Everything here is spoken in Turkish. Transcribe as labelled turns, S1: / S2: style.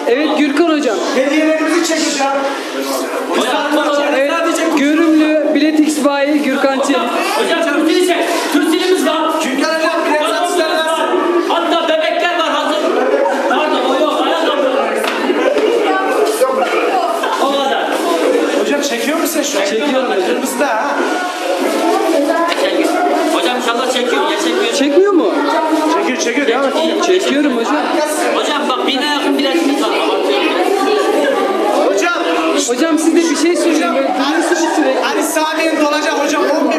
S1: Evet Gürkan hocam.
S2: Hediyelerimizi çek hocam.
S1: Evet Görümlü Bilet X bayi Gürkan Çelik.
S3: Hocam Türkçeyi çek. Türkçemiz var.
S2: Gürkan hocam bilet satışları nasıl?
S3: Hatta bebekler var hazır. Pardon o yok. Ayakkabı. O kadar.
S2: Hocam çekiyor musun şu an?
S1: Çekiyorum hocam.
S2: Kırmızıda ha.
S3: Çekiyor. Hocam inşallah çekiyor. Ya çekmiyor.
S1: Çekmiyor mu?
S2: Çekiyor devam et.
S1: Çekiyorum hocam.
S3: Hocam bak 1000'e yakın biletimiz var.
S2: Hocam.
S1: Hocam size bir şey söyleyeyim. Böyle duruyorsunuz sürekli.
S2: Ali Sami'nin dolacak hocam.